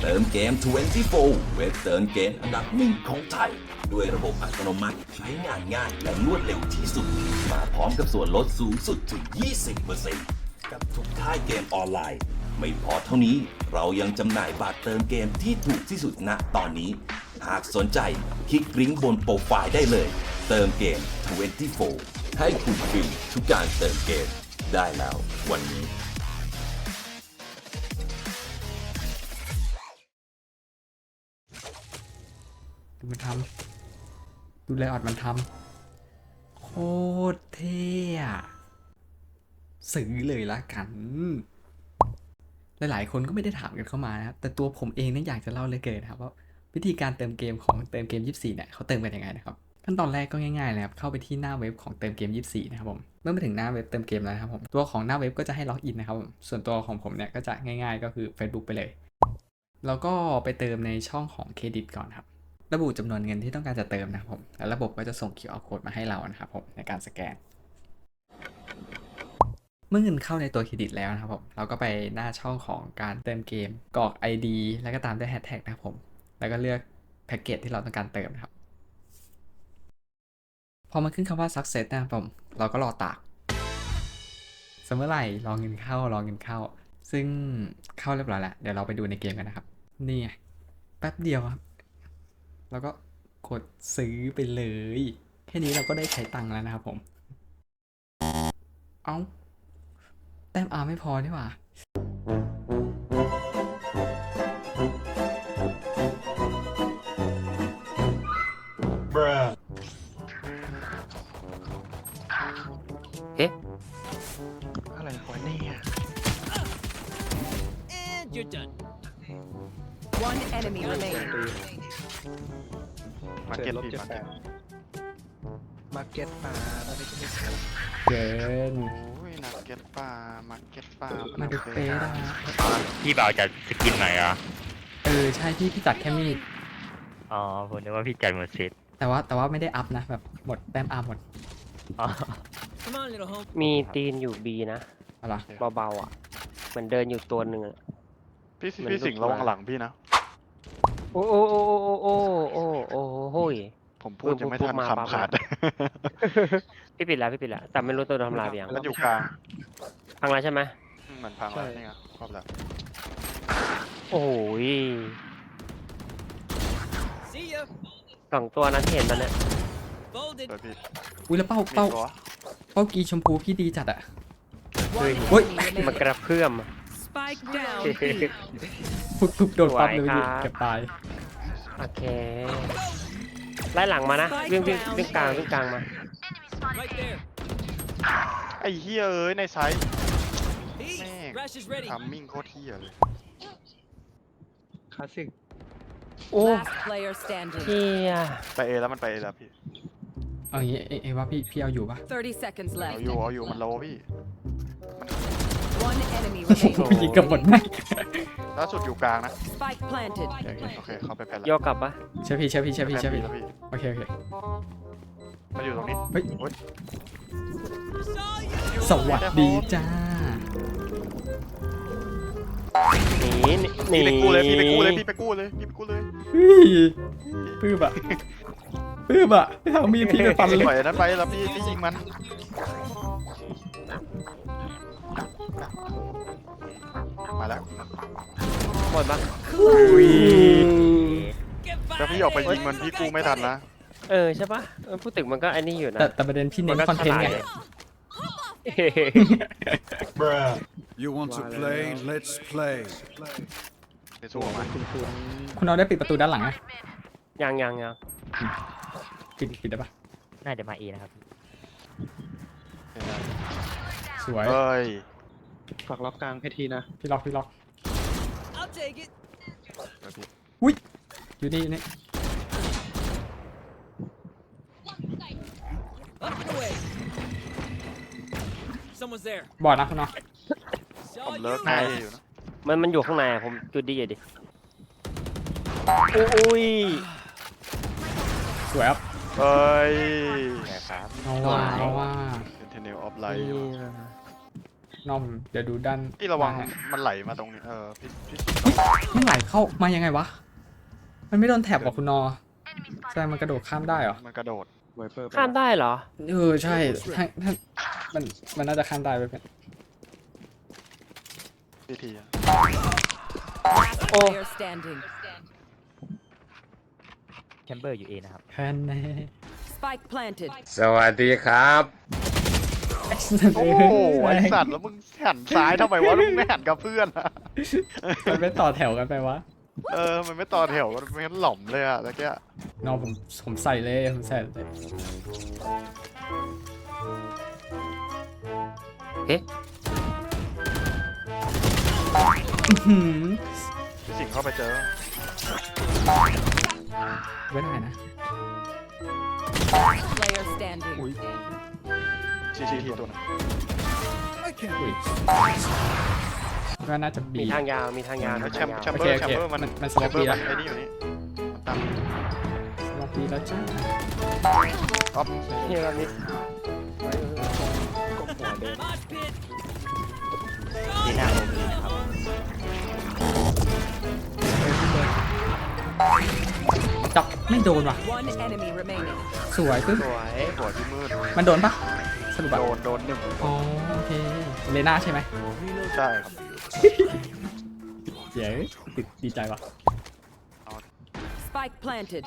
เติมเกม 24 เว็บเติมเกมอันดับหนึ่งของไทย ด้วยระบบอัตโนมัติใช้งานง่ายและรวดเร็วที่สุด มาพร้อมกับส่วนลดสูงสุดถึง 20% กับทุกค่ายเกมออนไลน์ ไม่พอเท่านี้เรายังจำหน่ายบัตรเติมเกมที่ถูกที่สุดณตอนนี้ หากสนใจคลิกลิงก์บนโปรไฟล์ได้เลย เติมเกม 24 ให้คุณฟรีทุกการเติมเกมได้แล้ววันนี้ดูมันทำดูไลออดมันทำโคตรเท่อะซื้อเลยละกัน หลายๆคนก็ไม่ได้ถามกันเข้ามานะครับแต่ตัวผมเองเนี่ยอยากจะเล่าเลยเกินครับว่าวิธีการเติมเกมของเติมเกม 24 เนี่ยเขาเติมกันยังไงนะครับขั้นตอนแรกก็ง่ายๆเลยครับเข้าไปที่หน้าเว็บของเติมเกม 24 นะครับผมเมื่อมาถึงหน้าเว็บเติมเกมแล้วนะครับผมตัวของหน้าเว็บก็จะให้ล็อกอินนะครับผมส่วนตัวของผมเนี่ยก็จะง่ายๆก็คือ Facebook ไปเลยแล้วก็ไปเติมในช่องของเครดิตก่อนครับระบุจำนวนเงินที่ต้องการจะเติมนะครับผมแล้วระบบก็จะส่ง QR code มาให้เรานะครับผมในการสแกนเมื่อเงินเข้าในตัวเครดิตแล้วนะครับผมเราก็ไปหน้าช่องของการเติมเกมกรอก ID แล้วก็ตามด้วยแฮชแท็กนะครับผมแล้วก็เลือกแพ็กเกจที่เราต้องการเติมนะครับพอมันขึ้นคำว่า success นะครับผมเราก็รอตากสมมติไหร่รอเงินเข้ซึ่งเข้าเรียบร้อยแล้วเดี๋ยวเราไปดูในเกมกันนะครับนี่ไงแป๊บเดียวครับแล้วก็กดซื้อไปเลยแค่นี้เราก็ได้ใช้ตังค์แล้วนะครับผมเอ้าแต้มอาร์ไม่พอนี่หว่าเอ๊ะอะไรวะเนี่ย And you're done. One enemy remaining. มาเก็ตลบมาเก็ตมาแล้วไม่ใช่เกินโอ้ยนักเก็ตป่ามาเก็ตป่ามาดูเป๊ะนะพี่บ่าวจัดสกินไหนอ่ะใช่พี่จัดแค่มีดอ๋อผมนึกว่าพี่จัดหมดเซตแต่ว่าไม่ได้อัพนะแบบหมดแต้มอาร์หมดอ๋อ Come on, little home. มีตีนอยู่ B นะอะไรเบาๆอ่ะเหมือนเดินอยู่ตัวหนึ่งอะพี่สิงห์ระวังหลังพี่นะโอ้โอ้โอ้โอ้โอ้โอ้โอ้โห้ยผมพูดยังไม่ทันมาคำขาดพี่ปิดแล้วแต่ไม่รู้ตัวทำลายไปยังแล้วอยู่กลางพังแล้วใช่ไหมเหมือนพังแล้วนี่ไงครอบแล้วโอ้ย See ya. สองตัวนั้นที่เห็นตอนเนี้ย Folded. เปิดพี่อุ้ยแล้วเป้ามีตัวเป้ากีชมพูพี่ดีจัดอะ One Oi. enemy มัน remaining. กระเพื่อม Spike down. B. ปุ๊บโดนปั๊บเลยสวยครับเกือบตายโอเคไล่หลังมานะวิ่งกลางมา Right there. ไอ้เฮียเอ้ยในไซส์ Peace. Man. Rash is ready. ทำมิ่งโคตรเฮียเลยคลาสสิกโอ้ Last player standing. เฮียไปเอแล้วมันไปเอแล้วพี่เอางี้เอ้ว่าพี่เอาอยู่ปะ 30 seconds เอา left. อยู่มันโลพี่ One enemy โอ้โห remaining. ยิงกับหมดแม่งล่าสุดอยู่กลางนะ Spike planted. โอเคเข้าไปแพ้แล้วโยกกลับปะเชื่อพี่แพ้แล้วพี่โอเคมาอยู่ตรงนี้เฮ้ยโอ๊ย Saw you. สวัสดีจ้าหนีพี่ไปกู้เลยพี่ไปกู้เลยพี่ไปกู้เลยเฮ้ยปื้มอะไม่เอามีดพี่ไปฟันเลยปล่อยนั้นไปแล้วพี่ยิงมันมาแล้วหมดปะ Get ถ้า back. พี่ออกไปยิงมันพี่กู้ไม่ทันนะใช่ปะพูดถึงมันก็ไอ้นี่อยู่นะแต่ประเด็นพี่เน้นคอนเทนต์ไง You want to play? Let's play. ในสู้มาคุณเอาได้ปิดประตูด้านหลังนะยังปิดได้ปะน่าจะมาเอนะครับสวยเฮ้ยฝากล็อกกลางให้ทีนะพี่ล็อก I'll take it. อยู่นี่ Up and away. Someone's there. บอดนะคุณเนาะผม Saw เลิก you. ง่ายอยู่นะมันอยู่ข้างในอะผมจุดดีอยู่ดิอุ้ยสวยครับเฮ้ยนะครับเอาว่าเป็นเทนเนลออฟไลท์นอกเดี๋ยวดูด้านพี่ระวังหน้ามันไหลมาตรงนี้พี่ไม่ไหลเข้ามายังไงวะ มันไม่โดนแถบหรอคุณนอแสดงมันกระโดดข้ามได้เหรอมันกระโดดไวเปอร์ข้ามได้เหรอใช่ถ้ามันน่าจะข้ามได้ไปเป็นพี่ที Player standing. แชมเบอร์อยู่เอนะครับแค่นั้น Spike planted. สวัสดีครับโอ้โหไอสัตว์แล้วมึงหันซ้ายทำไมวะมึงไม่หันกับเพื่อนอะมันไม่ต่อแถวกันไปวะมันไม่ต่อแถวกันไม่งั้นหล่อมเลยอะตะเกียนอผมใส่เลยผมใส่เลยเอ๊ะอื้อหือพี่สิงห์เข้าไปเจอไม่ได้นะ Player standing. ทีตัวนึงอุ้ยก็น่าจะบีมีทางยาวมีทางยาวแล้วมีแชทาม งป์ยาวแชมเบอร์แชมเบอร์มันสแชล็อมตเบอบีร์แล้วไอ้นี่อยู่นี่มันตั้งสล็อตบีแล้วจ้าอ๊อฟนี่เรามีก็หัวเดิน Mosh pit. ที่หน้าโอมีนะครับจับไม่โดนว่ะ One enemy remaining. สวยปึ๊บสวยหัวที่มืดมันโดนปะสรุปแบบโดนหนึ่งอ๋อโอเคเลน่าใช่ไหมใช่ครับเย้ติดดีใจว่ะ Spike planted.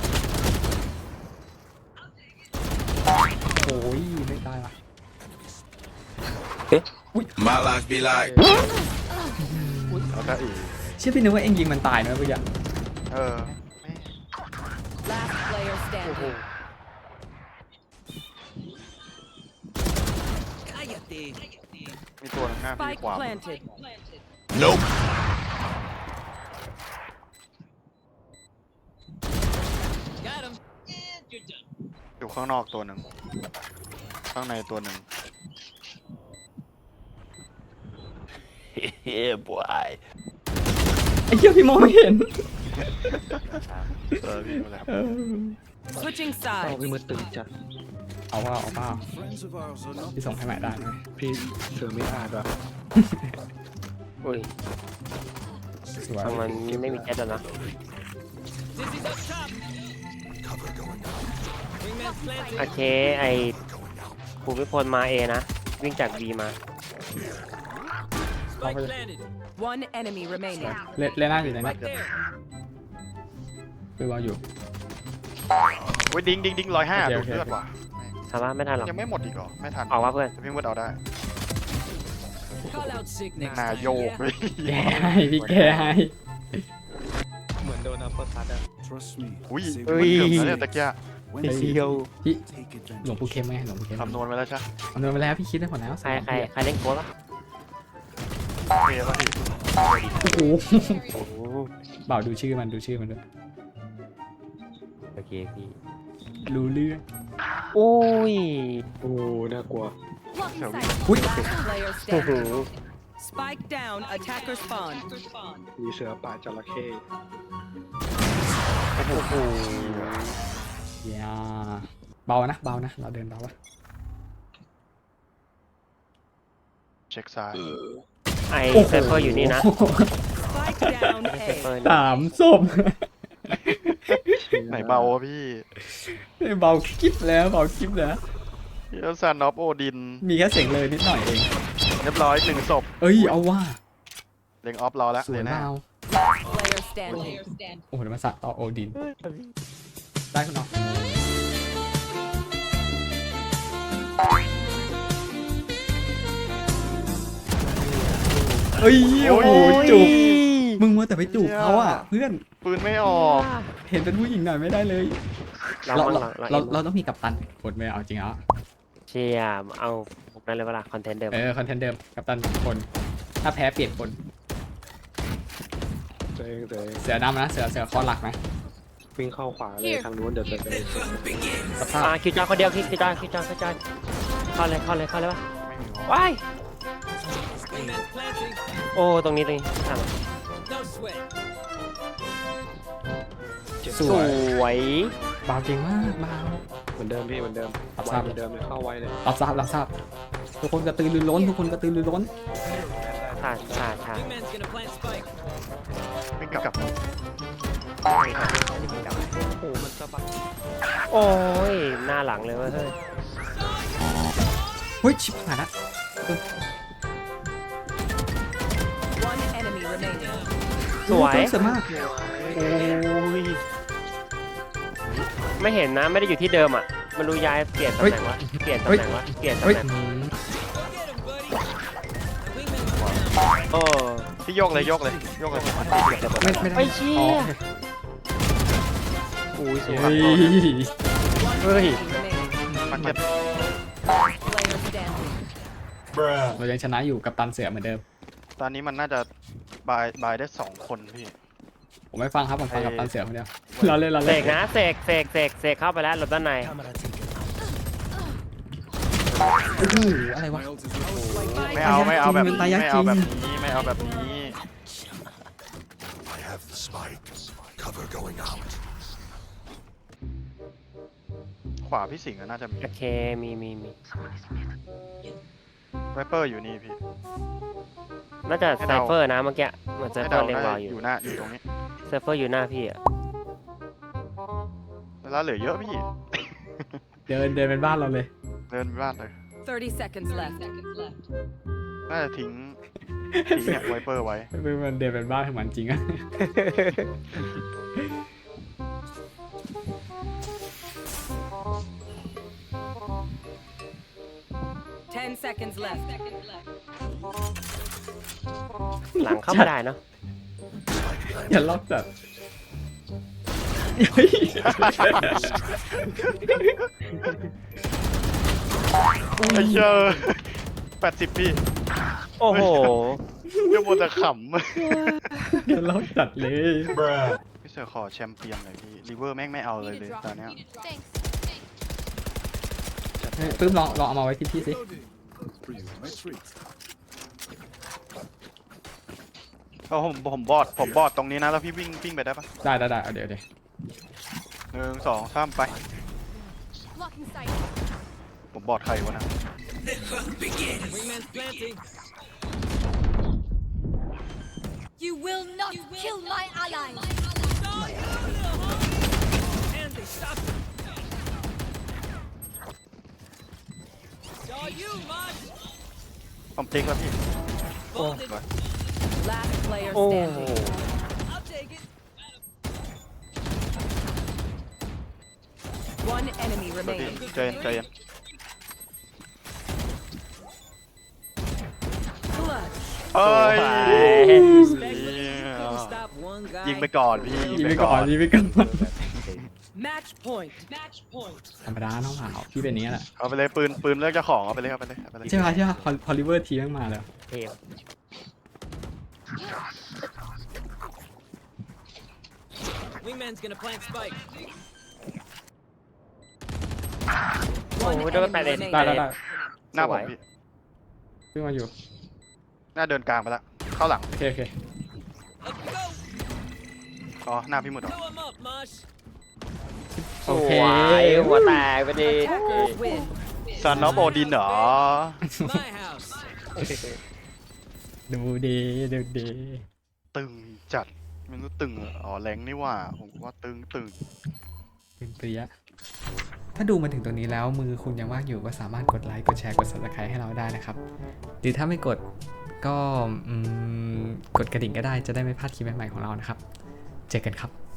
โอ้ยไม่ได้ว่ะ My life be like. แล้วก็อีกเชื่อพี่นึกว่าเอ็งยิงมันตายนะเมื่อกี้แม่ Last player standing. Cállate. มีตัวหนึงหน้าพี่ Spike ขวา planted. Nope. Got him. And you're done. อยู่ข้างนอกตัวหนึ่งข้างในตัวหนึ่ง Yeah boy ไอ้เหี้ยพี่มองไม่เห็นพี่มาแล้วเออ Switching เอ้า sides. พี่มือตึงจัดเอาว่า Friends of ours are not. พี่ส่งให้ใหม่ได้ไหมพี่เสือไม่อาดว่ะอุ้ยสวยทำไมไม่มีแก๊สแล้วนะ Dizzy's up top. Wingman's โอ planting. เค ไอภูมิพลมาเอนะ วิ่งจากบีมา Spike planted. One enemy remaining. เลน่าอยู่ไหนเนี่ย Right there. คือว่าอยู่โอ้ยดิ้ง105 โอเคดูโอเคเลือดว่ะถามว่าไม่ทันหรอกยังไม่หมดอีกเหรอไม่ทันออกว่าเพื่อนแต่พี่มืดเอาได้ Call out sick next นา time. โยก yeah? เลยแกให้พี่แกให้เหมือนโดนอัปเปอร์คัตอะ Trust me. อุ้ย Say มันเกือบแล้วเนี่ยตะเกีย when ไอ้ they เหี้ยพี่ take หลวง advantage. ปู่เข็มไหมหลวงปู่เข็มคำนวณไว้แล้วใช่คำนวณไปแล้วพี่คิดได้หมดแล้วใครเล่นโค้ดวะเมย์ป่ะพี่โอ้โหโอ้โหบ่าวดูชื่อมันด้วยโอเคพี่รู้เรื่องอุ้ยโอ้น่ากลัวอุ้ย Player โอ้โห standing. Spike down. Attacker spawn. มีเสือป่าจระเข้โอ้โหอย่าเบานะเราเดินเบาวะเช็คซ้ายไอเซฟเฟอร์อยู่นี่นะ Spike down เซฟเฟอ A. ร์สามศพไหนเบาวะพี่เบาคลิปแล้วเยลซานอฟโอดินมีแค่เสียงเลยนิดหน่อยเองเรียบร้อย1ศพเอ้ยเอาว่าเล็งออฟรอแล้วสวยเดี๋ยวนะมาก Player standing. โอ้โหเดี๋ยวมาสัตว์ต่อโอดิน ได้คุณน้องเอ้ยโอ้โหจูบมึงมัวแต่ไปจูบเขาอ่ะ เพื่อนปืนไม่ออกเห็นเป็นผู้หญิงหน่อยไม่ได้เลยเราเราต้องมีกัปตันกดไม่เอาจริงเหรอเชียร์เอาพวกนั้นเลยเวลาคอนเทนต์เดิมคอนเทนต์เดิมกัปตันคน ถ้าแพ้เปลี่ยนคนตัวเองเสือดำนะเสือคอหลักนะวิ่งเข้าขวาเลยทางนู้นเดี๋ยวจะไปสภาพคิวจอยคนเดียวคิวจอยเข้าเลยปะไม่มีออกว้าย Wingman's planting. โอ้ตรงนี้ทาง No sweat. เจ็บสสวยวยบาวเก่งมากบาวเหมือนเดิมพี่เหมือนเดิมรับไวทราบเหมือนเดิมเลยเข้าไวเลยรับทราบรับทราบทุกคนกระตือรือร้นทุกคนกระตือรือร้นขาดขาดขาด Wingman's gonna plant spike. วิ่งกลับโอ้โหมันสะบัดโอ้ยหน้าหลังเลยเว้ยเฮ้ยเฮ้ยชิบหายละ One enemy remaining. สวยสวยมากโอ้ยไม่เห็นนะไม่ได้อยู่ที่เดิมอ่ะมันรู้ย้ายเปลี่ยนตำแหน่งวะเปลี่ยนตำแหน่งวะเปลี่ยนตำเฮ้ยแหน่งอืม Go get him, buddy. The wingman's โอ้ๆพี่โยกเลยโยกเลยโยกเลยไม่ได้ไอ้เชี่ยอ๋ออุ้ยสวยเฮ้ย One Ơi. enemy remaining. มาเก็ต Player standing. เรายังชนะอยู่กับตันเสือเหมือนเดิมตอนนี้มันน่าจะบายได้2 คนพี่ผมไม่ฟังครับผมฟังกับตันเสือคนเดียวเราเล่นเราเสเล่นกนะเสกเข้าไปแล้วหลบด้านในโอ้โหอะไรวะไม่เอาแบบนี้ตายยากไม่จริเอางแบบนี้ไม่เอาแบบนี้ I have the spike. Cover going out. ขวาพี่สิงห์น่าจะมีโอเคมีไวเปอร์อยู่นี่พี่น่าจะไซเฟอร์นะเมื่อกี้เหมือนไซให้เฟอเดาร์เล็งน่ารอจะออยู่ ยู่หน้าอยู่ตรงนี้ไซเฟอร์อยู่หน้าพี่อ่ะเวลาเหลือเยอะพี่เดินเป็นบ้านเราเลยเดินไปบ้านเลย 30 seconds left. น่าจะทิ้งเนี่ยไวเปอร์ไว้มันเดินเป็นบ้านของมันจริงอะ 10 seconds left. หลังเข้าไม่ได้เนาะอย่าล็อกจัดเฮ้ยไอ้เจอ80พี่โอ้โหยังมัวแต่ขอย่าล็อกจัดเลยำพี่เสือขอแชมเปี้ยนหน่อยพี่ริเวอร์แม่งไม่เอาเลยตอนเนี้ยเฮ้ยปื้มลองเอามาไว้ที่พี่สิ For you, my treat. ก็ผมบอดตรงนี้นะแล้วพี่วิ่งไปได้ปะได้เอาเดี๋ยว 1 2 3ไปผมบอดใครวะนะ Wingman's planting. You will not kill my ally. And they stopped him. It's all you, Mosh. ผมติ๊กแล้วพี่ Bolted. Last player โอ้โห standing. I'll take it. One enemy เดี๋ยวพี่ remaining. ใจเย็น Clutch. เอ้ย Respect, but you Yeah. couldn't stop one guy. ยิงไปก่อนพี่ยิงไปก่อน Match point. ธรรมดาน้องสาวพี่เป็นอย่างนี้แหละเอาไปเลยปืนเลือกเจ้าของเอาไปเลยใช่ป่ะพอลิเวอร์ทีมมาแล้วเทพ Wingman's gonna plant spike. โอ้โหโดนแปดเลยได้หน้าผมพี่ปื้มมาอยู่หน้าเดินกลางไปละเข้าหลังโอเค Let's go. อ๋อหน้าพี่หมดเหรอ Blow him up, Mosh. สวยหัวแตกไปดิ Attackers win. ซันนอฟโอดินเหรอ My house. ดูดีตึงจัดมันก็ตึงเหรออ๋อแรงนี่หว่าผมว่าตึงเป็นเปรี้ยถ้าดูมาถึงตรงนี้แล้วมือคุณยังว่างอยู่ก็สามารถกดไลค์กดแชร์กด subscribe ให้เราได้นะครับหรือถ้าไม่กดก็กดกระดิ่งก็ได้จะได้ไม่พลาดคลิปใหม่ๆของเรานะครับเจอกันครับ